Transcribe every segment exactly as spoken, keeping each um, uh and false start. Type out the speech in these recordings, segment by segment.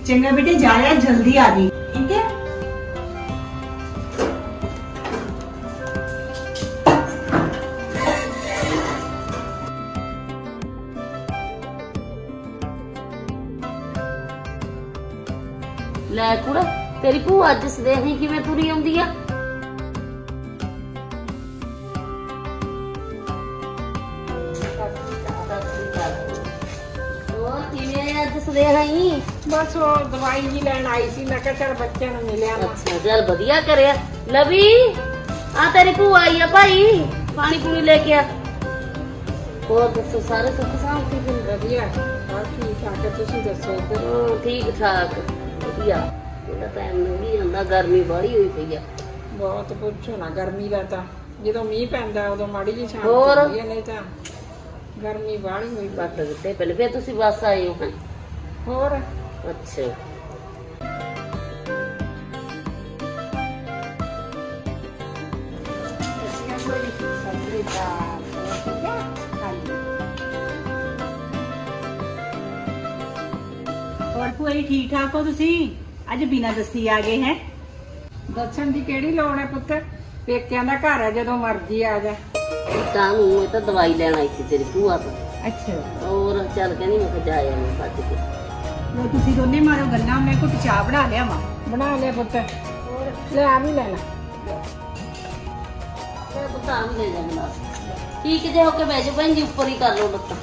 चंगा बेटे जाया जल्दी आ गई ठीक है। ਲੈ ਕੁੜਾ ਤੇਰੀ ਭੂਆ ਅੱਜ ਸਦੇਹੀ ਕਿਵੇਂ ਤੁਰੀ ਆਉਂਦੀ ਆ? ਹੋਰ ਕਿਵੇਂ ਅੱਜ ਸਦੇਹੀ? ਬਸ ਉਹ ਦਵਾਈ ਜੀ ਲੈਣ ਆਈ ਸੀ, ਮੈਂ ਕਿਹਾ ਚਲ ਬੱਚਿਆਂ ਨੂੰ ਮਿਲਿਆ। ਅੱਛਾ ਚੱਲ ਵਧੀਆ ਕਰਿਆ। ਲਵੀ ਆ ਤੇਰੀ ਭੂਆ ਆਈ ਆ ਭਾਈ, ਪਾਣੀ ਪੂਣੀ ਲੈ ਕੇ ਆ। ਹੋਰ ਦੱਸੋ ਸਾਰੇ ਸੁੱਖ ਸਾਂਤੀ ਜੀ? ਵਧੀਆ ਹਾਂ ਠੀਕ ਠਾਕ ਹੈ, ਤੁਸੀਂ ਦੱਸੋ ਇੱਧਰ? ਹਾਂ ਠੀਕ ਠਾਕ ਵਧੀਆ। ਇਹਦਾ ਟਾਈਮ ਲੰਘੀ ਜਾਂਦਾ, ਗਰਮੀ ਬਾਹਲੀ ਹੋਈ ਪਈ ਆ। ਬਹੁਤ ਪੁੱਛੋ ਨਾ, ਗਰਮੀ ਦਾ ਤਾਂ ਜਦੋਂ ਮੀਂਹ ਪੈਂਦਾ ਉਦੋਂ ਮਾੜੀ ਜਿਹੀ ਛਾਂ ਹੋਰ? ਹੁੰਦੀ ਹੈ, ਨਹੀਂ ਤਾਂ ਗਰਮੀ ਬਾਹਲੀ ਹੋਈ ਪਈ। ਬੱਟ ਦਿੱਤੇ ਪਹਿਲੇ ਫਿਰ ਤੁਸੀਂ ਬੱਸ ਆਏ ਹੋ ਹੈਂ? ਹੋਰ ਅੱਛਾ और भूआ जी ठीक ठाक हो तुसी? अज बिना दसी आ गए हैं। ਦੱਸਣ ਦੀ ਕਿਹੜੀ ਲੋੜ ਹੈ ਪੁੱਤ, ਪੇਕਿਆਂ ਦਾ ਘਰ ਹੈ, ਜਦੋਂ ਮਰਜ਼ੀ ਆ ਜਾ। ਤਾਂ ਨੂੰ ਇਹ ਤਾਂ ਦਵਾਈ ਲੈਣ ਆਈ ਸੀ ਤੇਰੀ ਭੂਆ ਤੋਂ। अच्छा ਹੋਰ ਚੱਲ ਕਹਿੰਦੀ ਮੈਂ ਕਿਹਾ ਜਾ ਆਵਾਂ ਭੱਜ ਕੇ। लो तुसी दोने मारो गल्ला, मैं कुछ चाह बना लिया वा। ਬਣਾ ਲਿਆ ਪੁੱਤ, ਲੈ ਆ ਵੀ ਲੈਣਾ। ਤੇ ਬਤਾ ਵੀ ਲੈ ਜਾਂਦਾ। ਠੀਕ ਜੇ ਹੋ ਕੇ ਬਹਿ ਜਾ ਭੈਣ ਜੀ, ਉੱਪਰ ਹੀ ਕਰ ਲਓ ਲੱਤਾਂ।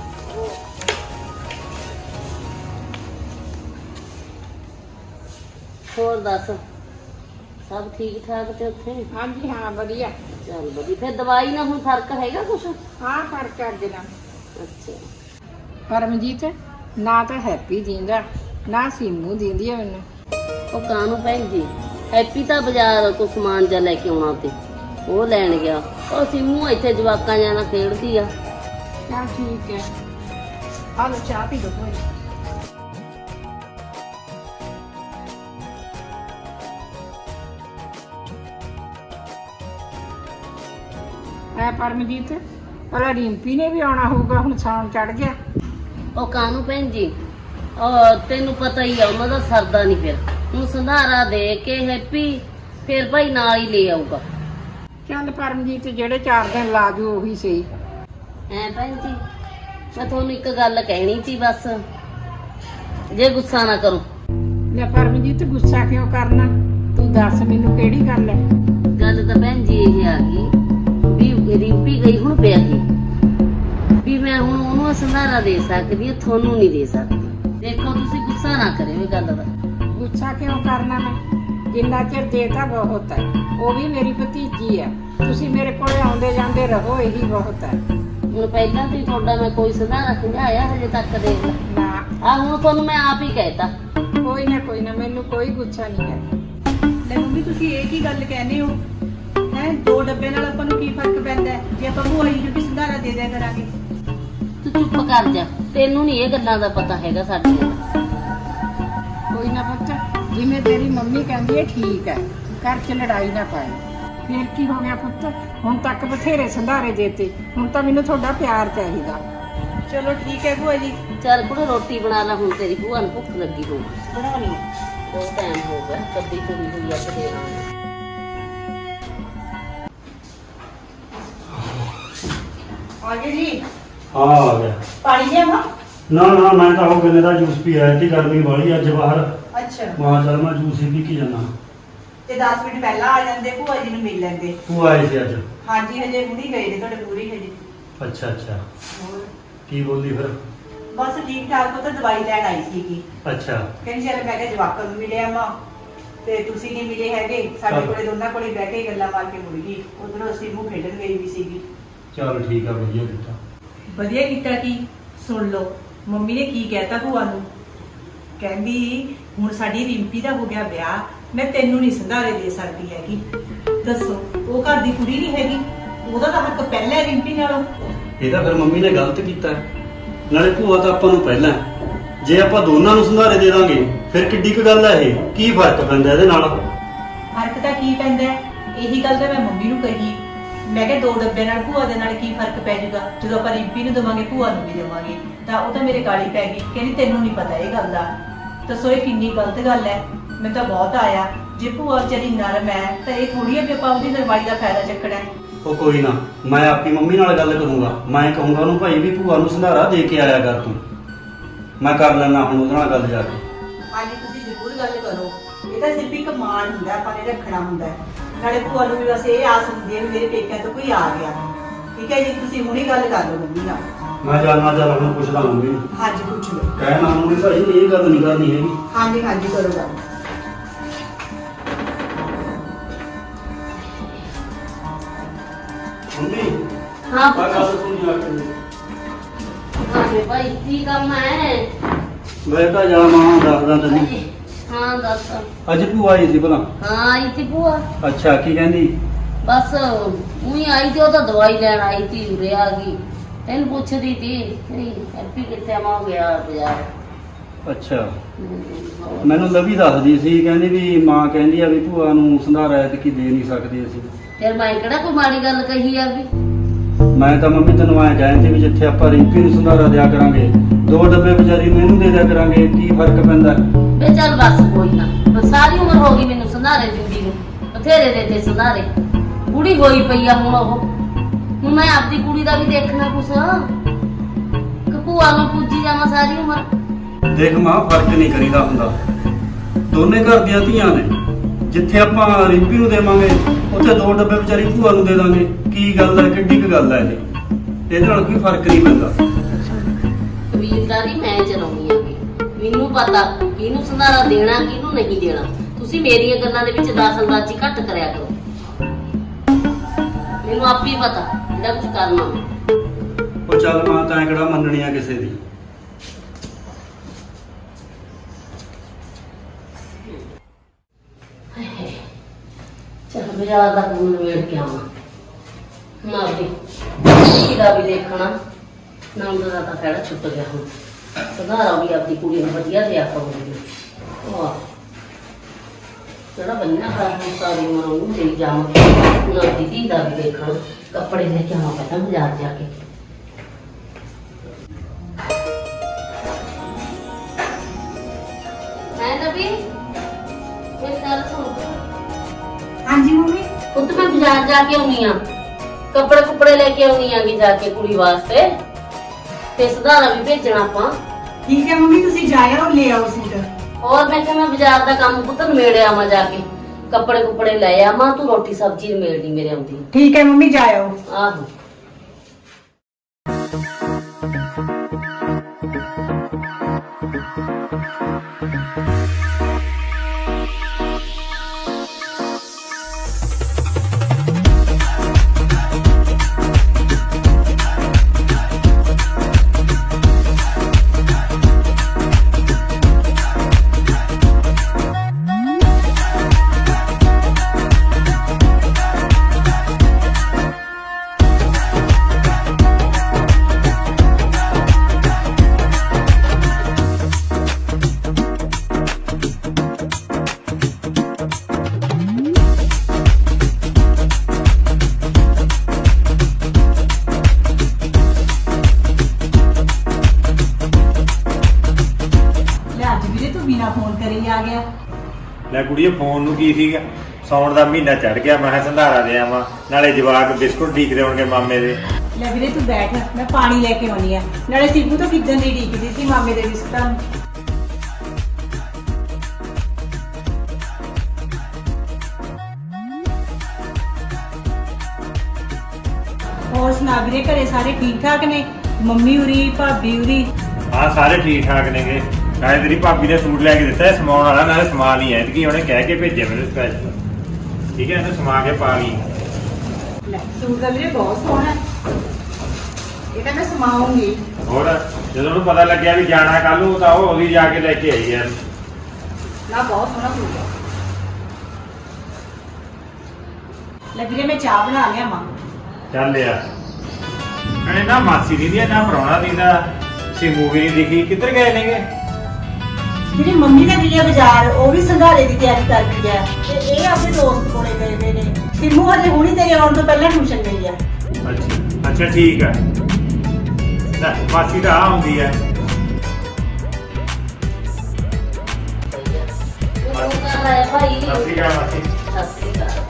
ਹੋਰ ਦੱਸ ਸਭ ਠੀਕ ਠਾਕ ਤੇ ਉੱਥੇ? ਹਾਂਜੀ ਹਾਂ ਵਧੀਆ। ਚੱਲ ਵਧੀਆ। ਫਿਰ ਦਵਾਈ ਨਾਲ ਹੁਣ ਫਰਕ ਹੈਗਾ ਕੁਛ? ਹਾਂ ਫਰਕ ਅੱਗੇ ਨਾਲ। ਅੱਛਾ ਪਰਮਜੀਤ ਨਾ ਤਾਂ ਹੈਪੀ ਦਿੰਦਾ ਨਾ ਸੀਮੂ ਦਿੰਦੀ ਹੈ ਮੈਨੂੰ। ਉਹ ਕਾਹਨੂੰ ਭੈਣ ਜੀ, ਹੈਪੀ ਤਾਂ ਬਾਜ਼ਾਰ ਕੋ ਸਮਾਨ ਜਾ ਲੈ ਕੇ ਆਉਣਾ ਤੇ ਉਹ ਲੈਣ ਗਿਆ। ਉਹ ਸਿੰਮੂ ਇੱਥੇ ਜਵਾਕਾਂ ਨਾਲ ਖੇਡਦੀ ਆ। ਚੱਲ ਠੀਕ ਹੈ। आ लो चाह पी लो भूआ जी। ਐ ਪਰਮਜੀਤ ਭਲਾ ਰਿੰਪੀ ਨੇ ਵੀ ਆਉਣਾ ਹੋਊਗਾ, ਹੁਣ ਸਾਉਣ ਚੜ ਗਿਆ। ਉਹ ਕਾਹਨੂੰ ਭੈਣ ਜੀ, ਉਹ ਤੈਨੂੰ ਪਤਾ ਹੀ ਆ ਉਹਨਾਂ ਦਾ ਸਰਦਾ ਨਹੀਂ। ਫਿਰ ਹੁਣ ਸੰਧਾਰਾ ਦੇ ਕੇ ਹੈਪੀ ਫਿਰ ਭਾਈ ਨਾਲ ਹੀ ਲੈ ਆਊਗਾ। ਚੱਲ ਪਰਮਜੀਤ ਜਿਹੜੇ ਚਾਰ ਦਿਨ ਲਾ ਜੂ ਉਹੀ ਸਹੀ। ਐ ਭੈਣ ਜੀ ਮੈਂ ਤੁਹਾਨੂੰ ਇੱਕ ਗੱਲ ਕਹਿਣੀ ਸੀ ਬਸ, ਜੇ ਗੁੱਸਾ ਨਾ ਕਰੋ। ਲੈ ਪਰਮਜੀਤ ਗੁੱਸਾ ਕਿਉਂ ਕਰਨਾ, ਤੂੰ ਦੱਸ ਮੈਨੂੰ ਕਿਹੜੀ ਗੱਲ ਹੈ। ਗੱਲ ਤਾਂ ਭੈਣ ਜੀ ਇਹ ਆ ਗਈ ਵੀ ਰਿੰਪੀ ਗਈ ਹੁਣ ਵਿਆਹੀ, ਵੀ ਮੈਂ ਹੁਣ ਉਹਨੂੰ ਸੰਧਾਰਾ ਦੇ ਸਕਦੀ ਹਾਂ, ਤੁਹਾਨੂੰ ਨਹੀਂ ਦੇ ਸਕਦੀ। ਦੇਖੋ ਤੁਸੀਂ ਗੁੱਸਾ ਨਾ ਕਰਿਓ ਇਹ ਗੱਲ ਦਾ। ਗੁੱਸਾ ਕਿਉਂ ਕਰਨਾ ਮੈਂ, ਜਿੰਨਾ ਚਿਰ ਦੇਤਾ ਬਹੁਤ ਹੈ। ਉਹ ਵੀ ਮੇਰੀ ਭਤੀਜੀ ਹੈ, ਤੁਸੀਂ ਮੇਰੇ ਕੋਲ ਆਉਂਦੇ ਜਾਂਦੇ ਰਹੋ, ਇਹੀ ਬਹੁਤ ਹੈ। ਹੁਣ ਪਹਿਲਾਂ ਤੋਂ ਹੀ ਤੁਹਾਡਾ ਮੈਂ ਕੋਈ ਸੰਧਾਰਾ ਖਿਆਇਆ ਹਜੇ ਤੱਕ ਦੇਖ ਲਾ। ਨਾ ਆ ਹੁਣ ਤੁਹਾਨੂੰ ਮੈਂ ਆਪ ਹੀ ਕਹਿਤਾ। ਕੋਈ ਨਾ ਕੋਈ ਨਾ, ਮੈਨੂੰ ਕੋਈ ਗੁੱਸਾ ਨਹੀਂ ਹੈ। ले मम्मी तुसी एक ही गल कहने हो हैं, दो डब्बे नाल आपां नूं की फर्क पैंदा है जे आपां भूआ जी नूं भी संधारा दे दिया करांगे। ਤੂੰ ਚੁੱਪ ਕਰ ਜਾ, ਤੈਨੂੰ ਨਹੀਂ ਇਹ ਗੱਲਾਂ ਦਾ ਪਤਾ ਹੈਗਾ ਸਾਡੀਆਂ ਦਾ। ਕੋਈ ਨਾ ਪੁੱਤ, ਜਿਵੇਂ ਤੇਰੀ ਮੰਮੀ ਕਹਿੰਦੀ ਹੈ ਠੀਕ ਹੈ, ਘਰ 'ਚ ਲੜਾਈ ਨਾ ਪਾਏ। ਫੇਰ ਕੀ ਹੋ ਗਿਆ ਪੁੱਤ, ਹੁਣ ਤੱਕ ਬਥੇਰੇ ਸੰਧਾਰੇ ਦੇਤੇ, ਹੁਣ ਤਾਂ ਮੈਨੂੰ ਤੁਹਾਡਾ ਪਿਆਰ ਚਾਹੀਦਾ। चलो ठीक है भूआ जी, ਚੱਲ ਕੁੜੇ ਰੋਟੀ ਬਣਾ ਲੈ, ਹੁਣ ਤੇਰੀ ਭੂਆ ਨੂੰ ਭੁੱਖ ਲੱਗੀ ਹੋਊ। बना ली। ਬਹੁਤ ਟਾਈਮ ਹੋ ਗਿਆ ਕੱਦੀ ਤੁਰੀ ਹੋਈ ਆ ਤੇ आगे जी हाँ आ गया। पानी लिया मां? ना ना मैं तो वो गन्ने का जूस पी आया थी, गर्मी बड़ी अज बाहर। अच्छा वहां चल मैं जूस ही पी के जाना। ते दस मिनट पहला आ जांदे भूआ जी नूं मिल लैंदे। तू आए थे अज? हां जी हजे हुणी गए ने तुहाडे पूरी हजे। अच्छा अच्छा ਹੋਰ की बोली फिर? बस ठीक ठाक पुੱਤ ਦਵਾਈ ਲੈਣ ਆਈ ਸੀਗੀ। अच्छा ਕਹਿੰਦੀ ਚੱਲ ਮੈਂ ਕਿਹਾ ਜਵਾਕਾਂ ਨੂੰ ਮਿਲਿਆ ਮਾਂ ਤੇ ਤੁਸੀਂ ਨਹੀਂ ਮਿਲੇ ਹੈਗੇ, ਸਾਡੇ ਕੋਲੇ ਦੋਨਾਂ ਕੋਲੇ ਬਹਿ ਕੇ ਗੱਲਾਂ ਮਾਰ ਕੇ ਮੁੜ ਗਈ। ਉਧਰੋਂ ਸਿੰਮੂ ਖੇਡਣ ਗਈ ਵੀ ਸੀਗੀ। चल ठीक है, बढ़िया किया। ਵਧੀਆ ਕੀਤਾ। ਕੀ ਸੁਣ ਲਓ ਮੰਮੀ ਨੇ ਕੀ ਕਹਿਤਾ ਭੂਆ ਨੂੰ, ਕਹਿੰਦੀ ਹੁਣ ਸਾਡੀ ਰਿੰਪੀ ਦਾ ਹੋ ਗਿਆ ਵਿਆਹ, ਮੈਂ ਤੈਨੂੰ ਨਹੀਂ ਸੰਧਾਰੇ ਦੇ ਸਕਦੀ ਹੈਗੀ। ਦੱਸੋ ਉਹ ਘਰ ਦੀ ਕੁੜੀ ਨਹੀਂ ਹੈਗੀ, ਉਹਦਾ ਤਾਂ ਹੱਕ ਪਹਿਲਾਂ ਹੈ ਰਿੰਪੀ ਨਾਲੋਂ। ਇਹ ਤਾਂ ਫਿਰ ਮੰਮੀ ਨੇ ਗਲਤ ਕੀਤਾ, ਨਾਲੇ ਭੂਆ ਤਾਂ ਆਪਾਂ ਨੂੰ ਪਹਿਲਾਂ। ਜੇ ਆਪਾਂ ਦੋਨਾਂ ਨੂੰ ਸੰਧਾਰੇ ਦੇ ਦਾਂਗੇ ਫਿਰ ਕਿੱਡੀ ਕੁ ਗੱਲ ਹੈ ਇਹ, ਕੀ ਫਰਕ ਪੈਂਦਾ ਇਹਦੇ ਨਾਲ? ਫਰਕ ਤਾਂ ਕੀ ਪੈਂਦਾ, ਇਹੀ ਗੱਲ ਤਾਂ ਮੈਂ ਮੰਮੀ ਨੂੰ ਕਹੀ। ਮੈਂ ਕਿਹਾ ਦੋ ਡੱਬੇ ਨਾਲ ਭੂਆ ਦੇ ਨਾਲ ਕੀ ਫਰਕ ਪੈ ਜਾਊਗਾ, ਜਦੋਂ ਆਪਾਂ ਰਿੰਪੀ ਨੂੰ ਦੇਵਾਂਗੇ ਭੂਆ ਨੂੰ ਵੀ ਦੇਵਾਂਗੇ। ਤਾਂ ਉਹ ਤਾਂ ਮੇਰੇ ਗਾਲੀ ਪੈ ਗਈ, ਕਹਿੰਦੀ ਤੈਨੂੰ ਨਹੀਂ ਪਤਾ ਇਹ ਗੱਲ ਦਾ। ਦੱਸੋ ਇਹ ਕਿੰਨੀ ਗਲਤ ਗੱਲ ਹੈ। ਮੈਨੂੰ ਤਾਂ ਬਹੁਤ ਆਇਆ, ਜੇ ਭੂਆ ਵਿਚਾਰੀ ਨਰਮ ਹੈ ਤਾਂ ਇਹ ਥੋੜੀ ਹੈ ਵੀ ਆਪਾਂ ਉਹਦੀ ਨਰਮਾਈ ਦਾ ਫਾਇਦਾ ਚੱਕਣਾ ਹੈ। ਉਹ ਕੋਈ ਨਾ, ਮੈਂ ਆਪਣੀ ਮੰਮੀ ਨਾਲ ਗੱਲ ਕਰੂੰਗਾ। ਮੈਂ ਕਹੂੰਗਾ ਉਹਨੂੰ ਭਾਈ ਵੀ ਭੂਆ ਨੂੰ ਸੰਧਾਰਾ ਦੇ ਕੇ ਆਇਆ ਕਰ ਤੂੰ। ਮੈਂ ਕਰ ਲੈਣਾ ਹੁਣ ਉਹਦੇ ਨਾਲ ਗੱਲ ਜਾ ਕੇ। ਹਾਂਜੀ ਤੁਸੀਂ ਜ਼ਰੂਰ ਗੱਲ ਕਰੋ। ਇਹ ਤਾਂ ਸਿਰਫ ਇੱਕ ਮਾਣ ਹੁੰਦਾ, ਆਪਾਂ ਨੇ ਰੱਖਣਾ ਹੁੰਦਾ ਹੈ। ਨਾਲੇ ਭੂਆ ਨੂੰ ਵੀ ਬਸ ਇਹ ਆਸ ਹੁੰਦੀ ਹੈ ਵੀ ਮੇਰੇ ਪੇਕਿਆਂ ਤੋਂ ਕੋਈ ਆ ਗਿਆ। ਠੀਕ ਹੈ ਜੀ, ਤੁਸੀਂ ਹੁਣੀ ਗੱਲ ਕਰ ਲਓ ਮੰਮੀ ਨਾਲ। ਮੈਂ ਜਾਣਾ ਚੱਲ ਹੁਣ ਪੁੱਛਦਾ ਮੰਮੀ ਨੂੰ। ਹਾਂਜੀ ਪੁੱਛ ਲਓ। ਕਹਿਣਾ ਉਹਨੂੰ ਵੀ ਭਾਈ ਇਹ ਗੱਲ ਨਹੀਂ ਕਰਨੀ ਹੈਗੀ। ਹਾਂਜੀ ਹਾਂਜੀ ਕਰੋ ਗੱਲ। ਮੰਮੀ ਹਾਂ ਆ ਪੁੱਤ। ਗੱਲ ਸੁਣੀ ਆ ਕੇ। ਹਾਂ ਵੇ ਭਾਈ ਕੀ ਕੰਮ ਹੈ? ਮੈਂ ਤਾਂ ਜਾਵਾਂ ਦੱਸਦਾ ਤੈਨੂੰ। ਹਾਂ ਦੱਸ। ਅੱਜ ਭੂਆ ਆਈ ਸੀ ਭਲਾ? ਹਾਂ ਆਈ ਤੀ ਭੂਆ। ਅੱਛਾ, ਕੀ ਕਹਿੰਦੀ? ਬਸ ਉਹੀ ਆਈ ਤੇ ਉਹ ਤਾਂ ਦਵਾਈ ਲੈਣ ਆਈ ਤੀ, ਉਰੇ ਆ ਗਈ। ਤੈਨੂੰ ਪੁੱਛਦੀ ਤੀ ਨਹੀਂ ਹੈਪੀ ਕਿੱਥੇ ਆਵਾਂ ਗਿਆ ਬਾਜ਼ਾਰ। ਅੱਛਾ, ਹਮ, ਮੈਨੂੰ ਲਵੀ ਦੱਸਦੀ ਸੀ, ਕਹਿੰਦੀ ਵੀ ਮਾਂ ਕਹਿੰਦੀ ਆ ਵੀ ਭੂਆ ਨੂੰ ਸੰਧਾਰਾ ਐਤਕੀ ਦੇ ਨਹੀਂ ਸਕਦੇ ਅਸੀਂ। ਫਿਰ ਮੈਂ ਕਿਹੜਾ ਕੋਈ ਮਾੜੀ ਗੱਲ ਕਹੀ ਆ ਵੀ? ਮੈਂ ਤਾਂ ਮੰਮੀ ਤੈਨੂੰ ਐਂ ਕਹਿੰਦੀ ਵੀ ਜਿੱਥੇ ਆਪਾਂ ਰਿੰਪੀ ਨੂੰ ਸੰਧਾਰਾ ਦਿਆ ਕਰਾਂਗੇ, ਦੋ ਡੱਬੇ ਵਿਚਾਰੀ ਨੂੰ ਇਹਨੂੰ ਦੇ ਦਿਆ ਕਰਾਂਗੇ, ਕੀ ਫਰਕ ਪੈਂਦਾ? ਵੇ ਚੱਲ ਬਸ ਕੋਈ ਨਾ, ਬਸ ਸਾਰੀ ਉਮਰ ਹੋ ਗਈ ਮੈਨੂੰ ਸੰਧਾਰੇ ਦਿੰਦੀ ਨੂੰ, ਬਥੇਰੇ ਦੇ ਤੇ ਸੰਧਾਰੇ। ਬੁੜੀ ਹੋਈ ਪਈ ਆ ਹੁਣ ਉਹ। ਹੁਣ ਮੈਂ ਆਪਦੀ ਕੁੜੀ ਦਾ ਵੀ ਦੇਖਣਾ ਕੁਛ, ਕਿ ਭੂਆ ਨੂੰ ਪੂਜੀ ਜਾਵਾਂ ਸਾਰੀ ਉਮਰ। ਦੇਖ ਮਾਂ, ਫਰਕ ਨਹੀਂ ਕਰੀਦਾ ਹੁੰਦਾ। ਦੋਨੇ ਘਰ ਦੀਆਂ ਧੀਆਂ ਨੇ। ਜਿੱਥੇ ਆਪਾਂ ਰਿੰਪੀ ਨੂੰ ਦੇਵਾਂਗੇ ਉੱਥੇ ਦੋ ਡੱਬੇ ਵਿਚਾਰੀ ਭੂਆ ਨੂੰ ਦੇ ਦਾਂਗੇ। ਕੀ ਗੱਲ ਹੈ, ਕਿੱਡੀ ਕੁ ਗੱਲ ਹੈ ਇਹ? ਇਹਦੇ ਨਾਲ ਕੋਈ ਫਰਕ ਨਹੀਂ ਪੈਂਦਾ। ਕਬੀਲਦਾਰੀ ਮੈਂ ਚਲਾਉਣੀ ਆਗੀ, ਮੈਨੂੰ ਪਤਾ ਕਿਹਨੂੰ ਸੰਧਾਰਾ ਦੇਣਾ ਕਿਹਨੂੰ ਨਹੀਂ ਦੇਣਾ। ਤੁਸੀਂ ਮੇਰੀਆਂ ਗੱਲਾਂ ਦੇ ਵਿੱਚ ਦਾਖਲਬਾਜ਼ੀ ਘੱਟ ਕਰਿਆ ਕਰੋ। ਮੈਨੂੰ ਆਪੇ ਹੀ ਪਤਾ ਜਿਹੜਾ ਕੁਝ ਕਰਨਾ। ਉਹ ਚੱਲ ਮਾਂ, ਤਾਂ ਕਿਹੜਾ ਮੰਨਣੀ ਆ ਕਿਸੇ ਦੀ। ਚਲ ਬਾਜ਼ਾਰ ਦਾ ਕੰਮ ਨਿਬੇੜ ਕੇ ਆਵਾਂ ਨਾ ਵੀ ਕਿਹਦਾ ਵੀ ਦੇਖਣਾ ਨਾ। ਉਹਦਾ ਤਾਂ ਖੜਾ ਛੁੱਟ ਗਿਆ ਹੁਣ। ਸੰਧਾਰਾ ਵੀ ਆਪਦੀ ਕੁੜੀ ਨੂੰ ਵਧੀਆ ਦਿਆ ਕਰੂੰਗੀ। ਵਾਹ ਜਿਹੜਾ ਬੰਨਾ ਖਾ ਹੁਣ ਸਾਰੀ ਉਮਰ ਉਹਨੂੰ ਦੇਈ ਜਾਵਾਂਗੇ। ਹੁਣ ਆਪਦੀ ਧੀ ਦਾ ਵੀ ਦੇਖਣਾ। ਕੱਪੜੇ ਲੈ ਕੇ ਆਵਾਂ ਪਹਿਲਾਂ ਬਾਜ਼ਾਰ ਜਾ ਕੇ। ਹੈ ਨਬੀ ਮੇਰੀ ਗੱਲ ਸੁਣ। ਹਾਂਜੀ ਮੰਮੀ। ਪੁੱਤ ਮੈਂ ਬਾਜ਼ਾਰ ਜਾ ਕੇ ਆਉਣੀ ਆ, ਕੱਪੜੇ ਕੁਪੜੇ ਲੈ ਕੇ ਆਉਣੀ ਆਂਗੀ ਜਾ ਕੇ ਕੁੜੀ ਵਾਸਤੇ, ਤੇ ਸੰਧਾਰਾ ਵੀ ਭੇਜਣਾ ਆਪਾਂ। ਠੀਕ ਹੈ ਮੰਮੀ, ਤੁਸੀਂ ਜਾਇਓ ਲੈ ਆਓ ਸੂਟ। ਹੋਰ ਮੈਂ ਕਿਹਾ ਮੈਂ ਬਾਜ਼ਾਰ ਦਾ ਕੰਮ ਪੁੱਤ ਨਿਬੇੜ ਆਵਾਂ ਜਾ ਕੇ, ਕੱਪੜੇ ਕੁਪੜੇ ਲੈ ਆਵਾਂ। ਤੂੰ ਰੋਟੀ ਸਬਜ਼ੀ ਨਿਬੇੜਨੀ ਮੇਰੇ ਆਉਂਦੀ। ਠੀਕ ਹੈ ਮੰਮੀ, ਜਾਇਓ। ਆਹੋ ਆ ਗਿਆ। ਲੈ ਕੁੜੀਏ, ਫੋਨ ਨੂੰ ਕੀ ਸੀਗਾ? ਸੌਣ ਦਾ ਮਹੀਨਾ ਚੜ ਗਿਆ, ਮੈਂ ਕਿਹਾ ਸੰਧਾਰਾ ਦੇ ਆਵਾਂ, ਨਾਲੇ ਜਵਾਕ ਬਿਸਕੁਟ ਢੀਕਦੇ ਹੋਣਗੇ ਮਾਮੇ ਦੇ। ਲੈ ਵੀਰੇ ਤੂੰ ਬੈਠ, ਮੈਂ ਪਾਣੀ ਲੈ ਕੇ ਆਉਣੀ ਆ। ਨਾਲੇ ਸਿੱਬੂ ਤਾਂ ਕਿੱਦਣ ਦੀ ਢੀਕਦੀ ਸੀ ਮਾਮੇ ਦੇ ਬਿਸਕੁਟਾਂ ਨੂੰ। ਹੋਰ ਸੁਣਾ ਵੀਰੇ, ਘਰੇ ਸਾਰੇ ਠੀਕ ਠਾਕ ਨੇ? ਮੰਮੀ ਉਰੀ, ਭਾਬੀ ਉਰੀ? ਹਾਂ ਸਾਰੇ ਠੀਕ ਠਾਕ ਨੇਗੇ। ਨਾਲੇ ਤੇਰੀ ਭਾਬੀ ਨੇ ਸੂਟ ਲੈ ਕੇ ਦਿੱਤਾ ਹੈ ਸਮਾਉਣ ਵਾਲਾ, ਨਾਲੇ ਸਮਾ ਨਹੀਂ ਐ ਕਿ ਉਹਨੇ ਕਹਿ ਕੇ ਭੇਜਿਆ ਮੈਨੂੰ ਸਪੈਸ਼ਲ। ਠੀਕ ਹੈ, ਇਹਨੂੰ ਸਮਾ ਕੇ ਪਾ ਲਈ। ਲੈ ਸੂਟ ਦਾ ਵੀਰੇ ਬਹੁਤ ਸੋਹਣਾ, ਇਹ ਤਾਂ ਮੈਂ ਸਮਾਉਂਗੀ। ਹੋਰ ਜਦੋਂ ਉਹਨੂੰ ਪਤਾ ਲੱਗਿਆ ਵੀ ਜਾਣਾ ਕੱਲ ਨੂੰ, ਤਾਂ ਉਹ ਉਹਦੀ ਜਾ ਕੇ ਲੈ ਕੇ ਆਈ ਯਾਰ। ਨਾ ਬਹੁਤ ਸੋਹਣਾ ਸੂਟ ਹੈ। ਲੈ ਵੀਰੇ ਮੈਂ ਚਾਹ ਬਣਾ ਲਿਆ ਮਾਂ। ਚੱਲ ਯਾਰ, ਇਹਨੇ ਨਾ ਮਾਸੀ ਦੀ ਦੀ ਨਾ ਪ੍ਰਾਹੁਣਾ ਦੀ ਦਾ ਸੀ ਮੂਵੀ ਨਹੀਂ ਦਿਖੀ, ਕਿੱਧਰ ਗਏ ਨੇਗੇ? ਜਿਹੜੀ ਮੰਮੀ ਦਾ ਗਿਆ ਬਾਜ਼ਾਰ, ਉਹ ਵੀ ਸੰਧਾਰੇ ਦੀ ਤਿਆਰੀ ਕਰਦੀ ਹੈ, ਤੇ ਇਹ ਆਪਣੇ ਦੋਸਤ ਕੋਲੇ ਗਏ ਹੋਏ ਨੇ। ਸਿੰਮੂ ਹਜੇ ਹੁਣੀ ਤੇਰੇ ਆਉਣ ਤੋਂ ਪਹਿਲਾਂ ਟਿਊਸ਼ਨ ਗਈ ਆ। ਅੱਛਾ ਅੱਛਾ ਠੀਕ ਹੈ। ਲੈ ਮਾਸੀ ਤਾਂ ਆ ਆਉਂਦੀ ਹੈ। ਮਾਸੀ ਘਰ ਆਇਆ ਭਾਈ ਸਤਿ ਸ਼੍ਰੀ ਅਕਾਲ ਮਾਸੀ ਸਤਿ ਸ਼੍ਰੀ ਅਕਾਲ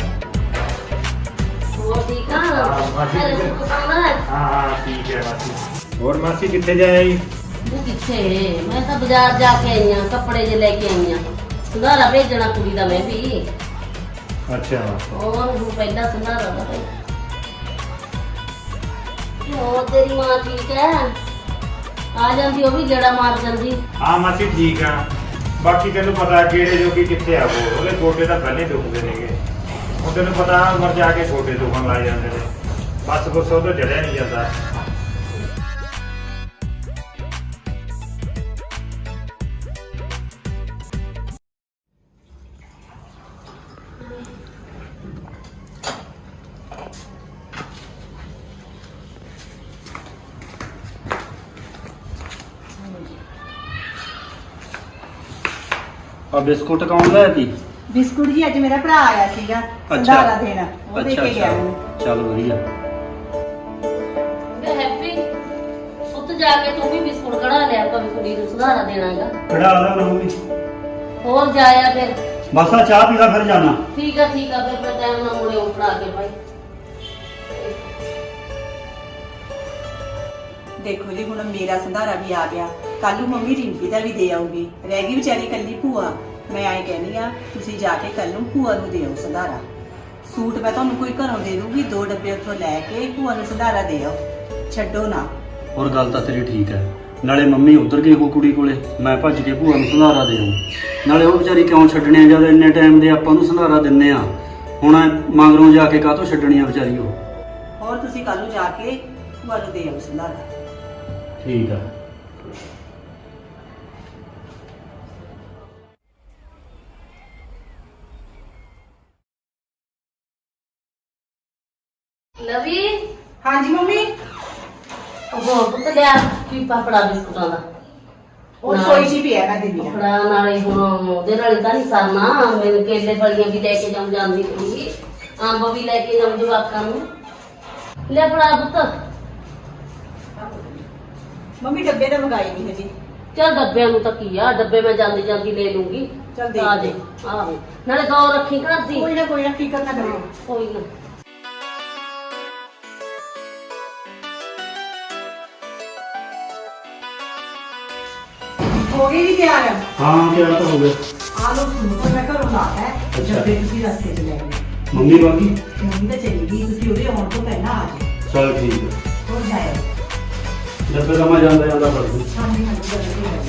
ਹੋਰ ਠੀਕ ਆ ਹਾਂ, ਮਾਸੀ ਅਰੇ ਠੀਕ ਆ। ਤੂੰ ਕੌਣ ਹੈ ਹਾਂ ਹਾਂ ਠੀਕ ਹੈ ਮਾਸੀ ਹੋਰ ਮਾਸੀ ਕਿੱਥੇ ਜਾਇਆ ਜੀ ਤੂੰ ਕਿੱਥੇ ਮੈਂ ਤਾਂ ਬਾਜ਼ਾਰ ਜਾ ਕੇ ਆਈ ਆਂ ਕੱਪੜੇ ਜੇ ਲੈ ਕੇ ਆਈ ਆਂ ਸੰਧਾਰਾ ਭੇਜਣਾ ਕੁੜੀ ਦਾ ਮੈਂ ਵੀ ਅੱਛਾ ਹੋਰ ਉਹ ਪਹਿਲਾਂ ਸੰਧਾਰਾ ਦਾ ਭਾਈ ਹੋਰ ਤੇਰੀ ਮਾਂ ਠੀਕ ਹੈ ਆ ਜਾਂਦੀ ਉਹ ਵੀ ਗੇੜਾ ਮਾਰ ਜਾਂਦੀ ਹਾਂ ਮਾਸੀ ਠੀਕ ਆ ਬਾਕੀ ਤੈਨੂੰ ਪਤਾ ਕਿਹੜੇ ਜੋਗੀ ਕਿੱਥੇ ਆ ਉਹ ਉਹਦੇ ਗੋਡੇ ਤਾਂ ਪਹਿਲੇ ਦੁਖਦੇ ਨੇਗੇ ਹੁਣ ਤੈਨੂੰ ਪਤਾ ਮਰ ਜਾ ਕੇ ਗੋਡੇ ਦੁਖਣ ਲੱਗ ਜਾਂਦੇ ਨੇ ਬਸ ਬਸ ਉਹ ਤੋਂ ਜੜਿਆ ਨਹੀਂ ਜਾਂਦਾ ਆ ਬਿਸਕੁਟ ਕੌਣ ਲਿਆ ਤੀ ਬਿਸਕੁਟ ਜੀ ਅੱਜ ਮੇਰਾ ਭਰਾ ਆਇਆ ਸੀਗਾ ਸੰਧਾਰਾ ਦੇਣ ਉਹ ਦੇ ਕੇ ਗਿਆ ਮੈਨੂੰ ਚੱਲ ਵਧੀਆ ਵੇ ਹੈਪੀ ਉੱਤ ਜਾ ਕੇ ਤੂੰ ਵੀ ਬਿਸਕੁਟ ਕਢਾ ਲਿਆ ਕਵੀ ਕੁੜੀ ਨੂੰ ਸੰਧਾਰਾ ਦੇਣਾਗਾ ਖੜਾ ਲਾ ਮੰਮੀ ਹੋਰ ਜਾਇਆ ਫਿਰ ਬਸ ਆ ਚਾਹ ਪੀ ਲਾ ਫਿਰ ਜਾਣਾ ਠੀਕ ਆ ਠੀਕ ਆ ਫਿਰ ਮੈਂ ਟਾਈਮ ਨਾਲ ਮੁੜੇ ਉਪੜਾ ਕੇ ਭਾਈ ਦੇਖੋ ਜੀ ਹੁਣ ਮੇਰਾ ਸੰਧਾਰਾ ਵੀ ਆ ਗਿਆ ਕੱਲ ਨੂੰ ਮੰਮੀ ਰਿੰਪੀ ਦਾ ਵੀ ਦੇ ਆਉਗੀ ਰਹਿ ਗਈ ਵਿਚਾਰੀ ਕੱਲੀ ਭੂਆ ਮੈਂ ਆਏ ਕਹਿੰਦੀ ਆ ਤੁਸੀਂ ਜਾ ਕੇ ਕੱਲ ਨੂੰ ਭੂਆ ਨੂੰ ਦੇ ਆਓ ਸੰਧਾਰਾ ਸੂਟ ਮੈਂ ਤੁਹਾਨੂੰ ਕੋਈ ਘਰੋਂ ਦੇ ਦੂੰਗੀ ਦੋ ਡੱਬੇ ਉੱਥੋਂ ਲੈ ਕੇ ਭੂਆ ਨੂੰ ਸੰਧਾਰਾ ਦੇ ਆਓ ਛੱਡੋ ਨਾ ਹੋਰ ਗੱਲ ਤਾਂ ਤੇਰੀ ਠੀਕ ਹੈ ਨਾਲੇ ਮੰਮੀ ਉਧਰ ਗਈ ਉਹ ਕੁੜੀ ਕੋਲੇ ਮੈਂ ਭੱਜ ਕੇ ਭੂਆ ਨੂੰ ਸੰਧਾਰਾ ਦੇ ਆਉਂ ਨਾਲੇ ਉਹ ਵਿਚਾਰੀ ਕਿਉਂ ਛੱਡਣੀ ਆ ਜਦ ਇੰਨੇ ਟਾਈਮ ਦੇ ਆਪਾਂ ਨੂੰ ਸੰਧਾਰਾ ਦਿੰਨੇ ਆ ਹੁਣ ਮਗਰੋਂ ਜਾ ਕੇ ਕਾਹਤੋਂ ਛੱਡਣੀ ਆ ਵਿਚਾਰੀ ਉਹ ਹੋਰ ਤੁਸੀਂ ਕੱਲ ਨੂੰ ਜਾ ਕੇ ਭੂਆ ਨੂੰ ਦੇ ਆਓ ਸੰਧਾਰਾ ਠੀਕ ਆ ਲਵੀ ਹਾਂਜੀ ਮੰਮੀ ਉਹ ਪੁੱਤ ਲਿਆ ਕੀ ਪਾਪੜਾ ਬਿਸਕੁਟਾਂ ਦਾ ਉਹ ਸੋਈ ਜੀ ਪਿਆ ਮੈਂ ਦਿੰਦੀ ਆ ਪਾਪੜਾ ਨਾਲੇ ਹੁਣ ਉਹਦੇ ਨਾਲ ਤਾਂ ਨਹੀਂ ਸਰਨਾ ਮੈਨੂੰ ਕੇਲੇ ਫਲੀਆਂ ਵੀ ਲੈ ਕੇ ਜਾਉਂ ਜਾਂਦੀ ਕੁੜੀ ਅੰਬ ਵੀ ਲੈ ਕੇ ਜਾਉਂ ਜਵਾਕਾਂ ਨੂੰ ਲੈ ਫੜਾ ਪੁੱਤ ਮੰਮੀ ਡੱਬੇ ਤਾਂ ਮੰਗਾਈ ਨਹੀਂ ਹਜੀ ਚੱਲ ਡੱਬਿਆਂ ਨੂੰ ਤਾਂ ਕੀ ਆ ਡੱਬੇ ਮੈਂ ਜਾਂਦੀ ਜਾਂਦੀ ਲੈ ਲੂੰਗੀ ਚੱਲ ਦੇਖ ਆ ਜੇ ਆਹੋ ਨਾਲੇ ਦੋ ਰੱਖੀ ਘਰ ਦੀ ਕੋਈ ਨਾ ਕੋਈ ਨਾ ਕੀ ਕਰਨਾ ਕਰਿਓ ਕੋਈ ਨਾ ਹੋ ਗਈ ਜੀ ਤਿਆਰ ਹਾਂ ਕਿਹਾ ਤਾਂ ਹੋ ਗਿਆ ਆ ਲੋ ਸੂਟ ਮੈਂ ਘਰੋਂ ਲਾ ਹੈ ਅੱਛਾ। ਡੱਬੇ ਤੁਸੀਂ ਰਸਤੇ 'ਚ ਲੈ ਗਏ ਮੰਮੀ ਬਾਕੀ ਮੰਮੀ ਤਾਂ ਚਲੀ ਗਈ ਤੁਸੀਂ ਉਹਦੇ ਆਉਣ ਤੋਂ ਪਹਿਲਾਂ ਆ ਜਾਓ ਚਲ ਠੀਕ ਹੈ ਹੋਰ ਜਾਇਓ ਡੱਬੇ ਦਾ ਮੈਂ ਜਾਂਦਾ ਜਾਂਦਾ ਪੜ ਦੂੰ ਹਾਂਜੀ ਹਾਂਜੀ ਜਲਦੀ ਆਇਓ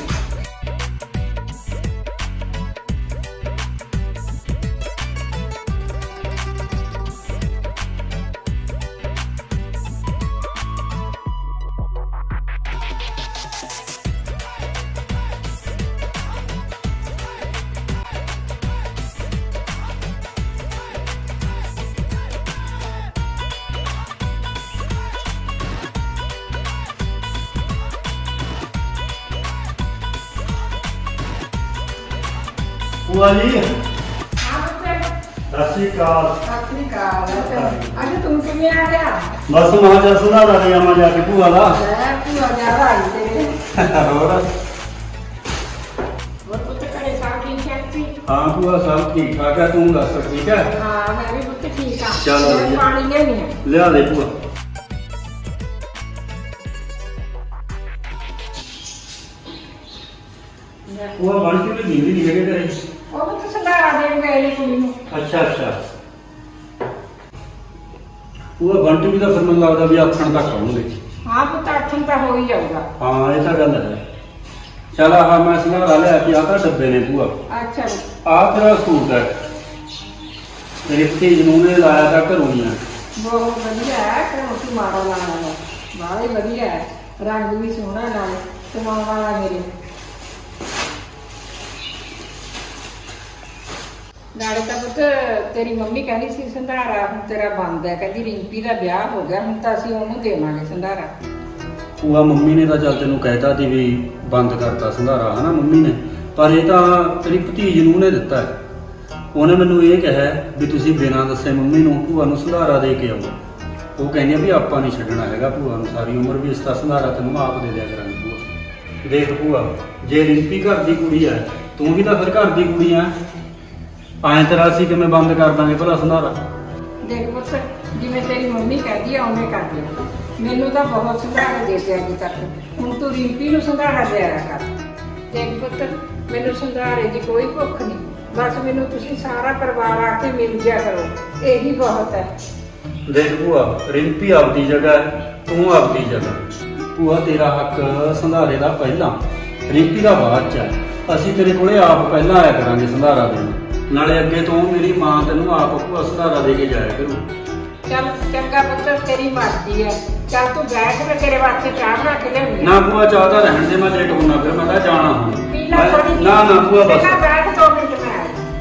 ਭੂਆ ਜੀ ਹਾਂ ਬੱਚੇ ਸਤਿ ਸ਼੍ਰੀ ਅਕਾਲ ਸਤਿ ਸ੍ਰੀ ਅਕਾਲ ਅੱਜ ਤੂੰ ਕਿਵੇਂ ਆ ਗਿਆ ਬਸ ਮਹਾਂ ਜਾ ਸੰਧਾਰਾ ਦੇ ਆਵਾਂ ਜਾ ਕੇ ਭੂਆ ਦਾ ਲੈ ਭੂਆ ਜਾ ਆਈ ਤੇਰੇ ਹੋਰ ਹੋਰ ਪੁੱਤ ਘਰੇ ਸਭ ਠੀਕ ਠਾਕ ਸੀ ਹਾਂ ਭੂਆ ਸਭ ਠੀਕ ਠਾਕ ਹੈ ਤੂੰ ਦੱਸ ਠੀਕ ਹੈ ਹਾਂ ਮੈਂ ਵੀ ਪੁੱਤ ਠੀਕ ਆ ਚਲੋ ਮੈਂ ਵਧੀਆ। ਪਾਣੀ ਲੈਣੀ ਆ ਲਿਆ ਦੇ ਭੂਆ ਭੂਆ ਬਣ ਕੇ ਵੀ ਜਿੰਦੀ ਨਹੀਂ ਹੈਗੇ ਘਰੇ ਉਹ ਪੁੱਤ ਸੰਧਾਰਾ ਦੇਣ ਗਏ ਨੇ ਕੁੜੀ ਨੂੰ ਅੱਛਾ ਅੱਛਾ ਭੂਆ ਬੰਟੀ ਵੀ ਤਾਂ ਫਿਰ ਮੈਨੂੰ ਲੱਗਦਾ ਵੀ ਆਖਣ ਤੱਕ ਆਉਣਗੇ ਹਾਂ ਪੁੱਤ ਅੱਠਨ ਤਾਂ ਹੋ ਹੀ ਜਾਊਗਾ ਹਾਂ ਇਹ ਤਾਂ ਗੱਲ ਹੈ ਚਲ ਆਹ ਮੈਂ ਸੰਧਾਰਾ ਲਿਆ ਕਿ ਆਹ ਤਾਂ ਡੱਬੇ ਨੇ ਭੂਆ ਅੱਛਾ ਆਹ ਤੇਰਾ ਸੂਟ ਹੈ ਮੇਰੇ ਭਤੀਜ ਨੂੰ ਨੇ ਲਾਇਆ ਤਾਂ ਘਰੋਂ ਹੀ ਆ ਬਹੁਤ ਵਧੀਆ ਹੈ ਕਿ ਤੂੰ ਮਾੜਾ ਲਾਣਾ ਹੈ ਬਾਹਲਾ ਹੀ ਵਧੀਆ ਹੈ ਰੰਗ ਵੀ ਸੋਹਣਾ ਨਾਲ ਸਮਾਉਣ ਵਾਲਾ ਮੇਰੇ ਨਾਲੇ ਤਾਂ ਪੁੱਤ ਤੇਰੀ ਮੰਮੀ ਕਹਿੰਦੀ ਸੀ ਸੰਧਾਰਾ ਹੁਣ ਤੇਰਾ ਬੰਦ ਹੈ ਕਹਿੰਦੀ ਰਿੰਪੀ ਦਾ ਵਿਆਹ ਹੋ ਗਿਆ ਹੁਣ ਤਾਂ ਅਸੀਂ ਉਹਨੂੰ ਦੇਵਾਂਗੇ ਸੰਧਾਰਾ ਭੂਆ ਮੰਮੀ ਨੇ ਤਾਂ ਚੱਲ ਤੈਨੂੰ ਕਹਿਤਾ ਸੀ ਵੀ ਬੰਦ ਕਰਤਾ ਸੰਧਾਰਾ ਹਨਾ ਮੰਮੀ ਨੇ ਪਰ ਇਹ ਤਾਂ ਤੇਰੀ ਭਤੀਜ ਨੂੰ ਨੇ ਦਿੱਤਾ ਹੈ ਉਹਨੇ ਮੈਨੂੰ ਇਹ ਕਿਹਾ ਵੀ ਤੁਸੀਂ ਬਿਨਾਂ ਦੱਸੇ ਮੰਮੀ ਨੂੰ ਭੂਆ ਨੂੰ ਸੰਧਾਰਾ ਦੇ ਕੇ ਆਓ ਉਹ ਕਹਿੰਦੀ ਆ ਵੀ ਆਪਾਂ ਨਹੀਂ ਛੱਡਣਾ ਹੈਗਾ ਭੂਆ ਨੂੰ ਸਾਰੀ ਉਮਰ ਵੀ ਇਸ ਦਾ ਸੰਧਾਰਾ ਤੈਨੂੰ ਆਪ ਦੇ ਦਿਆ ਕਰਾਂਗੇ ਭੂਆ ਦੇਖ ਭੂਆ ਜੇ ਰਿੰਪੀ ਘਰ ਦੀ ਕੁੜੀ ਹੈ ਤੂੰ ਵੀ ਤਾਂ ਫਿਰ ਘਰ ਦੀ ਕੁੜੀ ਆ। ਐਂ ਤੇਰਾ ਅਸੀਂ ਕਿਵੇਂ ਬੰਦ ਕਰ ਦਾਂਗੇ ਭਲਾ ਸੰਧਾਰਾ? ਦੇਖ ਪੁੱਤ, ਜਿਵੇਂ ਤੇਰੀ ਮੰਮੀ ਕਹਿੰਦੀ ਆ ਉਵੇਂ ਕਰ ਦੇ। ਮੈਨੂੰ ਤਾਂ ਬਹੁਤ ਸੰਧਾਰਾ ਦੇ ਦਿੱਤੇ ਅੱਜ ਤੱਕ, ਹੁਣ ਤੂੰ ਰਿੰਪੀ ਨੂੰ ਸੰਧਾਰਾ ਦਿਆ ਕਰ। ਦੇਖ ਪੁੱਤ, ਮੈਨੂੰ ਸੰਧਾਰੇ ਦੀ ਕੋਈ ਭੁੱਖ ਨਹੀਂ, ਬਸ ਮੈਨੂੰ ਤੁਸੀਂ ਸਾਰਾ ਪਰਿਵਾਰ ਆ ਕੇ ਮਿਲ ਜਿਆ ਕਰੋ, ਇਹੀ ਬਹੁਤ ਹੈ। ਦੇਖ ਭੂਆ, ਰਿੰਪੀ ਆਪਦੀ ਜਗ੍ਹਾ ਹੈ, ਤੂੰ ਆਪਦੀ ਜਗ੍ਹਾ। ਭੂਆ ਤੇਰਾ ਹੱਕ ਸੰਧਾਰੇ ਦਾ ਪਹਿਲਾਂ, ਰਿੰਪੀ ਦਾ ਬਾਅਦ ਚ ਹੈ। ਅਸੀਂ ਤੇਰੇ ਕੋਲੇ ਆਪ ਪਹਿਲਾਂ ਆਇਆ ਕਰਾਂਗੇ ਸੰਧਾਰਾ ਦੇਣ, ਨਾਲੇ ਅੱਗੇ ਤੋਂ ਮੇਰੀ ਮਾਂ ਤੈਨੂੰ ਆਪ ਭੂਆ ਸੰਧਾਰਾ ਦੇ ਕੇ ਜਾਇਆ ਕਰੂ। ਚੱਲ ਚੰਗਾ ਪੁੱਤ, ਤੇਰੀ ਮਰਜ਼ੀ ਹੈ। ਚੱਲ ਤੂੰ ਬੈਠ, ਮੈਂ ਤੇਰੇ ਵਾਸਤੇ ਚਾਹ ਬਣਾ ਕੇ ਲਿਆਉਂਦੀ ਨਾ ਭੂਆ, ਚਾਹ ਤਾਂ ਰਹਿਣ ਦੇ, ਮੈਂ ਲੇਟ ਹੋਣਾ ਫਿਰ, ਮੈਂ ਤਾਂ ਜਾਣਾ ਹੁਣ। ਪੀ ਲੈ ਥੋੜੀ ਜਿਹੀ। ਨਾ ਨਾ ਭੂਆ ਬਸ। ਚੰਗਾ ਬੈਠ, ਦੋ ਮਿੰਟ ਮੈਂ ਆ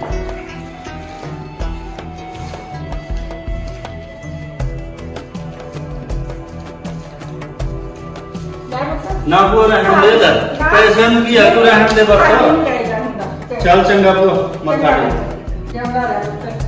ਨਾ ਭੂਆ ਰਹਿਣ ਦੇ, ਲੈ ਪੈਸਿਆਂ ਨੂੰ ਕੀ ਹੈ, ਤੂੰ ਰਹਿਣ ਦੇ ਬਸ। ਚੱਲ ਚੰਗਾ ਭੂਆ, ਮੱਥਾ ਟੇਕ। ਚੰਗਾ ਰਹਿ ਪੁੱਤ।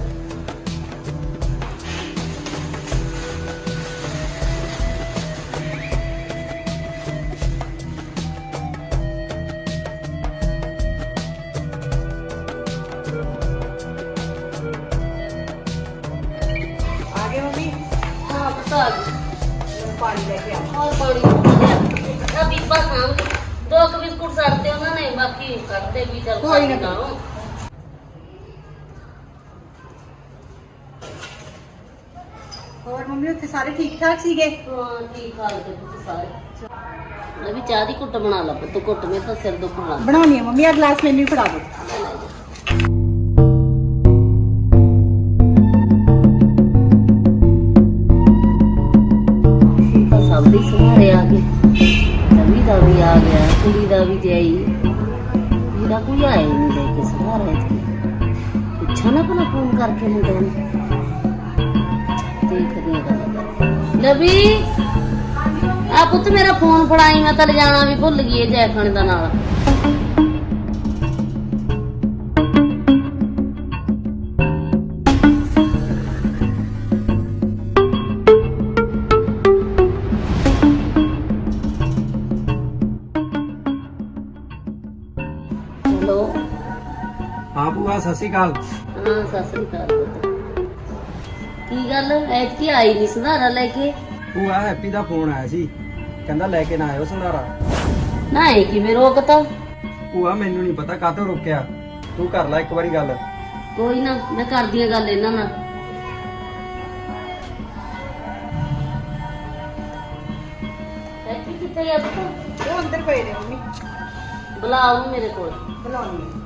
ਆ ਗਏ ਮੰਮੀ? ਹਾਂ ਬਤਾ ਦੇ। ਪਾਣੀ ਲੈ ਕੇ ਆ। ਹੋਰ ਪਾਣੀ ਆ ਬੀਬਾ ਸਾਹਮਣੇ ਦੋ ਕੁ ਬਿਸਕੁਟ ਸੜਦੇ ਉਹਨਾਂ ਨੇ, ਬਾਕੀ ਕੱਢਦੇ ਵੀ ਚੱਲ ਕੋਈ ਨਾ। ਖਾਓ। ਹੋਰ ਮੰਮੀ ਉੱਥੇ ਸਾਰੇ ਠੀਕ ਠਾਕ ਸੀਗੇ? ਹਾਂ ਠੀਕ ਹਾਲ ਤੇ ਤੁਸੀਂ ਸਾਰੇ। ਮੈਂ ਵੀ ਚਾਹ ਦੀ ਘੁੱਟ ਬਣਾ ਲਾ ਪੁੱਤ, ਘੁੱਟ ਮੇ ਤਾਂ ਸਿਰ ਦੁਖਣ ਲੱਗ ਬਣਾਉਣੀ ਆ ਮੰਮੀ, ਆ ਗਲਾਸ ਮੈਨੂੰ ਵੀ ਫੜਾ ਦਿਓ। ਤਾਂ ਸਭ ਦੇ ਸਹਾਰੇ ਆ ਗਏ, ਰਵੀ ਦਾ ਵੀ ਆ ਗਿਆ, ਕੁੜੀ ਦਾ ਵੀ ਜਾਈ, ਮੇਰਾ ਕੋਈ ਆਇਆ ਹੀ ਨਹੀਂ ਲੈ ਕੇ ਸਹਾਰਾ ਇੱਥੇ। ਪੁੱਛਾ ਨਾ ਭਲਾ ਫੋਨ ਕਰਕੇ ਮੁੰਡਿਆਂ ਨੂੰ, ਦੇਖਦੀ ਹਾਂ ਗੱਲ ਕਰਕੇ। ਰਵੀ ਆ ਪੁੱਤ ਮੇਰਾ ਫੋਨ ਫੜਾਈ, ਮੈਂ ਤਾਂ ਲਿਜਾਣਾ ਵੀ ਭੁੱਲ ਗਈ ਇਹ ਜੈ ਖਾਣੇ ਦਾ ਨਾਲ। ਹੈਲੋ। ਹਾਂ ਭੂਆ, ਸਤਿ ਸ਼੍ਰੀ ਅਕਾਲ। ਹਾਂ ਸਤਿ ਸ੍ਰੀ ਅਕਾਲ ਪੁੱਤ। ਕੀ ਗੱਲ ਐਤਕੀ ਆਈ ਨਹੀਂ ਸੰਧਾਰਾ ਲੈ ਕੇ? ਭੂਆ ਹੈਪੀ ਦਾ ਫੋਨ ਆਇਆ ਸੀ, ਕਹਿੰਦਾ ਲੈ ਕੇ ਨਾ ਆਇਓ ਸੰਧਾਰਾ। ਨਾ ਇਹ ਕਿਵੇਂ ਰੋਕਤਾ? ਭੂਆ ਮੈਨੂੰ ਨਹੀਂ ਪਤਾ ਕਾਹਤੋਂ ਰੋਕਿਆ, ਤੂੰ ਕਰ ਲੈ ਇੱਕ ਵਾਰੀ ਗੱਲ। ਕੋਈ ਨਾ, ਮੈਂ ਕਰਦੀ ਆ ਗੱਲ ਇਹਨਾਂ ਨਾਲ। ਹੈਪੀ ਕਿੱਥੇ ਗਿਆ ਪੁੱਤ? ਉਹ ਅੰਦਰ ਪਏ ਨੇ ਮੰਮੀ। ਬੁਲਾ ਉਹਨੂੰ ਮੇਰੇ ਕੋਲ। ਬੁਲਾਉਣੀ ਆ।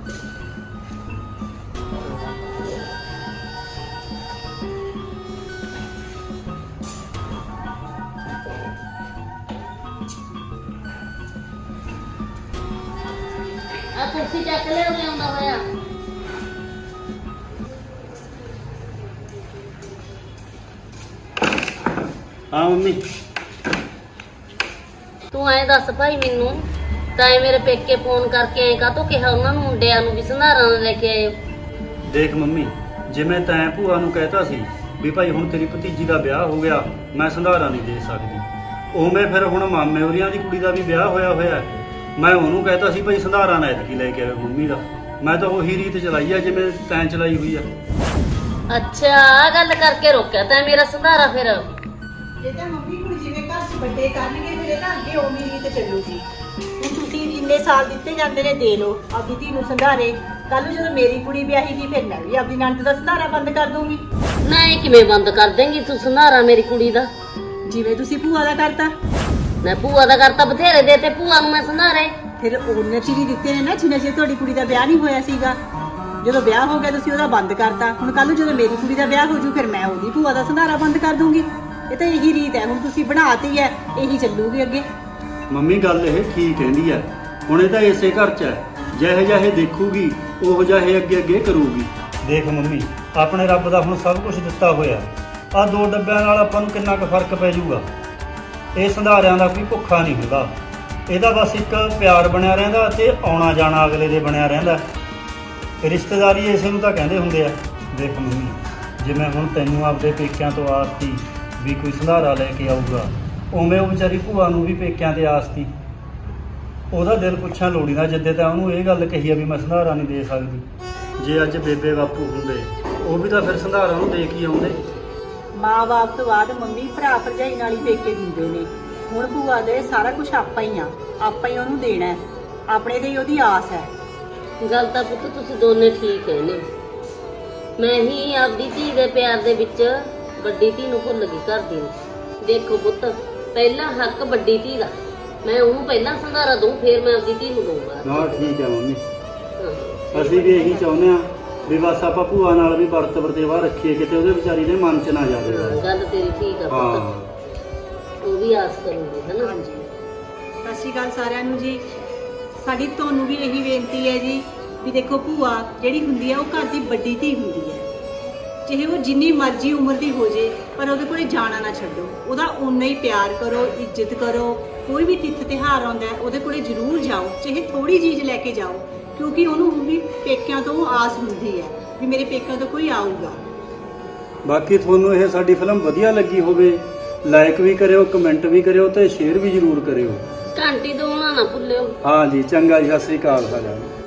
ਆ ਕੁਰਸੀ ਚੱਕ ਲਿਆ ਉਹਨੇ ਆਉਂਦਾ ਹੋਇਆ। ਹਾਂ ਮੰਮੀ। ਤੂੰ ਐਂ ਦੱਸ ਭਾਈ ਮੈਨੂੰ, ਤਾਂ ਇਹ ਮੇਰੇ ਪੇਕੇ ਫੋਨ ਕਰਕੇ ਐਂ ਕਾਹਤੋਂ ਕਿਹਾ ਉਹਨਾਂ ਨੂੰ ਮੁੰਡਿਆਂ ਨੂੰ ਵੀ ਸੰਧਾਰਾ ਨਾ ਲੈ ਕੇ ਆਇਓ? ਦੇਖ ਮੰਮੀ, ਜਿਵੇਂ ਤੈਂ ਭੂਆ ਨੂੰ ਕਹਿਤਾ ਸੀ ਵੀ ਭਾਈ ਹੁਣ ਤੇਰੀ ਭਤੀਜੀ ਦਾ ਵਿਆਹ ਹੋ ਗਿਆ, ਮੈਂ ਸੰਧਾਰਾ ਨਹੀਂ ਦੇ ਸਕਦੀ, ਉਵੇਂ ਫਿਰ ਹੁਣ ਮਾਮੇ ਹੋਰੀਆਂ ਦੀ ਕੁੜੀ ਦਾ ਵੀ ਵਿਆਹ ਹੋਇਆ ਹੋਇਆ ਹੈ। ਮੈਂ ਉਹਨੂੰ ਕਹਿਤਾ ਸੀ ਭਾਈ ਸੰਧਾਰਾ ਨਾ ਐਤਕੀ ਲੈ ਕੇ ਆਇਓ ਮੰਮੀ ਦਾ। ਮੈਂ ਤਾਂ ਉਹੀ ਰੀਤ ਚਲਾਈ ਆ ਜਿਵੇਂ ਤੈਂ ਚਲਾਈ ਹੋਈ ਆ। ਅੱਛਾ ਆ ਗੱਲ ਕਰਕੇ ਰੋਕਿਆ ਤੈਂ ਮੇਰਾ ਸੰਧਾਰਾ? ਫਿਰ ਇਹ ਤਾਂ ਮੰਮੀ ਹੁਣ ਜਿਵੇਂ ਘਰ 'ਚ ਵੱਡੇ ਕਰਨਗੇ ਫਿਰ ਇਹ ਤਾਂ ਅੱਗੇ ਉਮੀ ਰੀਤ ਚੱਲੂਗੀ। ਹੁਣ ਤੁਸੀਂ ਜਿੰਨੇ ਸਾਲ ਦਿੱਤੇ ਜਾਂਦੇ ਨੇ ਦੇ ਲਓ ਆਪਦੀ ਧੀ ਨੂੰ ਸੰਧਾਰੇ। ਕੱਲ ਨੂੰ ਜਦੋਂ ਮੇਰੀ ਕੁੜੀ ਵਿਆਹੀ ਗਈ ਫਿਰ ਮੈਂ ਵੀ ਆਪਦੀ ਨਣਦ ਦਾ ਸੰਧਾਰਾ ਬੰਦ ਕਰ ਦੂੰਗੀ। ਨਾ ਇਹ ਕਿਵੇਂ ਬੰਦ ਕਰ ਦੇਂਗੀ ਤੂੰ ਸੰਧਾਰਾ ਮੇਰੀ ਕੁੜੀ ਦਾ? ਜਿਵੇਂ ਤੁਸੀਂ ਭੂਆ ਦਾ ਕਰਤਾ, ਮੈਂ ਭੂਆ ਦਾ ਕਰਤਾ ਬਥੇਰੇ ਦੇ ਤੇ ਭੂਆ ਨੂੰ ਮੈਂ ਸੰਧਾਰੇ। ਫਿਰ ਉਹਨੇ ਚਿਰ ਹੀ ਦਿੱਤੇ ਨੇ ਨਾ ਜਿੰਨਾ ਚਿਰ ਤੁਹਾਡੀ ਕੁੜੀ ਦਾ ਵਿਆਹ ਨਹੀਂ ਹੋਇਆ ਸੀਗਾ। ਜਦੋਂ ਵਿਆਹ ਹੋ ਗਿਆ ਤੁਸੀਂ ਉਹਦਾ ਬੰਦ ਕਰਤਾ, ਹੁਣ ਕੱਲ ਨੂੰ ਜਦੋਂ ਮੇਰੀ ਕੁੜੀ ਦਾ ਵਿਆਹ ਹੋ ਜੂ ਫਿਰ ਮੈਂ ਉਹਦੀ ਭੂਆ ਦਾ ਸੰਧਾਰਾ ਬੰਦ ਕਰ ਦੂੰਗੀ। ਇਹ ਤਾਂ ਇਹੀ ਰੀਤ ਹੈ, ਹੁਣ ਤੁਸੀਂ ਬਣਾਤੀ ਹੈ, ਇਹੀ ਚੱਲੂਗੀ ਅੱਗੇ। ਮੰਮੀ ਗੱਲ ਇਹ ਠੀਕ ਕਹਿੰਦੀ ਹੈ, ਹੁਣ ਇਹ ਤਾਂ ਇਸੇ ਘਰ 'ਚ ਹੈ, ਜਿਹੇ ਜਿਹੇ ਦੇਖੂਗੀ ਉਹ ਜਿਹੇ ਅੱਗੇ ਅੱਗੇ ਕਰੂਗੀ। ਦੇਖ ਮੰਮੀ, ਆਪਣੇ ਰੱਬ ਦਾ ਹੁਣ ਸਭ ਕੁਝ ਦਿੱਤਾ ਹੋਇਆ, ਆਹ ਦੋ ਡੱਬਿਆਂ ਨਾਲ ਆਪਾਂ ਨੂੰ ਕਿੰਨਾ ਕੁ ਫਰਕ ਪੈ ਜਾਊਗਾ। ਇਹ ਸੰਧਾਰਿਆਂ ਦਾ ਕੋਈ ਭੁੱਖਾ ਨਹੀਂ ਹੁੰਦਾ, ਇਹਦਾ ਬਸ ਇੱਕ ਪਿਆਰ ਬਣਿਆ ਰਹਿੰਦਾ ਤੇ ਆਉਣਾ ਜਾਣਾ ਅਗਲੇ ਦੇ ਬਣਿਆ ਰਹਿੰਦਾ। ਰਿਸ਼ਤੇਦਾਰੀ ਇਸੇ ਨੂੰ ਤਾਂ ਕਹਿੰਦੇ ਹੁੰਦੇ ਆ। ਦੇਖ ਮੰਮੀ, ਜਿਵੇਂ ਹੁਣ ਤੈਨੂੰ ਆਪਦੇ ਪੇਕਿਆਂ ਤੋਂ ਆਸ ਸੀ ਵੀ ਕੋਈ ਸੰਧਾਰਾ ਲੈ ਕੇ ਆਊਗਾ, ਉਵੇਂ ਉਹ ਵਿਚਾਰੀ ਭੂਆ ਨੂੰ ਵੀ ਪੇਕਿਆਂ ਤੇ ਆਸ ਸੀ। ਉਹਦਾ ਦਿਲ ਪੁੱਛਾਂ ਲੋੜੀ ਨਾ ਜਿੱਦੇ ਤਾਂ ਉਹਨੂੰ ਇਹ ਗੱਲ ਕਹੀ ਆ ਵੀ ਮੈਂ ਸੰਧਾਰਾ ਨਹੀਂ ਦੇ ਸਕਦੀ। ਜੇ ਅੱਜ ਬੇਬੇ ਬਾਪੂ ਹੁੰਦੇ ਉਹ ਵੀ ਤਾਂ ਫਿਰ ਸੰਧਾਰਾ ਨੂੰ ਦੇ ਕੇ ਆਉਂਦੇ। ਮਾਂ-ਬਾਪ ਤੋਂ ਬਾਅਦ ਮੰਮੀ ਭਰਾ ਭਰਜਾਈ ਨਾਲ ਹੀ ਪੇਕੇ ਦਿੰਦੇ ਨੇ। ਹੁਣ ਭੂਆ ਦੇ ਸਾਰਾ ਕੁਝ ਆਪਾਂ ਹੀ ਆ, ਆਪਾਂ ਹੀ ਉਹਨੂੰ ਦੇਣਾ ਹੈ, ਆਪਣੇ ਤੇ ਹੀ ਉਹਦੀ ਆਸ ਹੈ। ਗੱਲ ਤਾਂ ਪੁੱਤ ਤੁਸੀਂ ਦੋਨੇ ਠੀਕ ਹੈ ਨੇ। ਮੈਂ ਹੀ ਆਪਦੀ ਧੀ ਦੇ ਪਿਆਰ ਦੇ ਵਿੱਚ ਵੱਡੀ ਧੀ ਨੂੰ ਭੁੱਲ ਗਈ ਕਰਦੀ ਨੂੰ। ਦੇਖੋ ਪੁੱਤ, ਪਹਿਲਾ ਹੱਕ ਵੱਡੀ ਧੀ ਦਾ, ਮੈਂ ਉਹਨੂੰ ਪਹਿਲਾਂ ਸੰਧਾਰਾ ਦਊਂ, ਫਿਰ ਮੈਂ ਆਪਦੀ ਧੀ ਨੂੰ ਦਊਂਗਾ। ਨਾ ਠੀਕ ਹੈ ਮੰਮੀ, ਹਾਂ। ਅਸੀਂ ਵੀ ਇਹੀ ਚਾਹੁੰਦੇ ਆ ਵੀ ਬਸ ਆਪਾਂ ਭੂਆ ਨਾਲ ਵੀ ਵਰਤ ਵਰਤੇਵਾ ਰੱਖੀਏ, ਕਿਤੇ ਉਹਦੇ ਵਿਚਾਰੀ ਦੇ ਮਨ 'ਚ ਨਾ ਜਾਵੇ। ਹਾਂ, ਗੱਲ ਤੇਰੀ ਠੀਕ ਆ ਹਾਂ ਪੁੱਤ, ਉਹ ਵੀ ਆਸ ਕਰੂਗੀ ਹਨਾ। ਹਾਂਜੀ, ਸਤਿ ਸ਼੍ਰੀ ਅਕਾਲ ਸਾਰਿਆਂ ਨੂੰ ਜੀ। ਸਾਡੀ ਤੁਹਾਨੂੰ ਵੀ ਇਹੀ ਬੇਨਤੀ ਹੈ ਜੀ ਵੀ ਦੇਖੋ, ਭੂਆ ਜਿਹੜੀ ਹੁੰਦੀ ਹੈ ਉਹ ਘਰ ਦੀ ਵੱਡੀ ਧੀ ਹੁੰਦੀ ਹੈ। ਚਾਹੇ ਉਹ ਜਿੰਨੀ ਮਰਜ਼ੀ ਉਮਰ ਦੀ ਹੋ ਜੇ, ਪਰ ਉਹਦੇ ਕੋਲੇ ਜਾਣਾ ਨਾ ਛੱਡੋ, ਉਹਦਾ ਓਨਾ ਹੀ ਪਿਆਰ ਕਰੋ, ਇੱਜ਼ਤ ਕਰੋ। ਕੋਈ ਵੀ ਤਿੱਥ ਤਿਉਹਾਰ ਆਉਂਦਾ ਹੈ ਉਹਦੇ ਕੋਲੇ ਜ਼ਰੂਰ ਜਾਓ, ਚਾਹੇ ਥੋੜੀ ਚੀਜ਼ ਲੈ ਕੇ ਜਾਓ, ਕਿਉਂਕਿ ਉਹਨੂੰ ਵੀ ਪੇਕਿਆਂ ਤੋਂ ਆਸ ਹੁੰਦੀ ਹੈ ਵੀ ਮੇਰੇ ਪੇਕਿਆਂ ਤੋਂ ਕੋਈ ਆਊਗਾ। ਬਾਕੀ ਤੁਹਾਨੂੰ ਇਹ ਸਾਡੀ ਫਿਲਮ ਵਧੀਆ ਲੱਗੀ ਹੋਵੇ, ਲਾਈਕ ਵੀ ਕਰਿਓ, ਕਮੈਂਟ ਵੀ ਕਰਿਓ ਤੇ ਸ਼ੇਅਰ ਵੀ ਜ਼ਰੂਰ ਕਰਿਓ। ਘੰਟੀ ਦਵਾਉਣਾ ਨਾ ਭੁੱਲਿਓ। ਹਾਂ ਜੀ, ਚੰਗਾ ਜੀ, ਸਤਿ ਸ੍ਰੀ ਅਕਾਲ ਸਾਰਿਆਂ ਨੂੰ।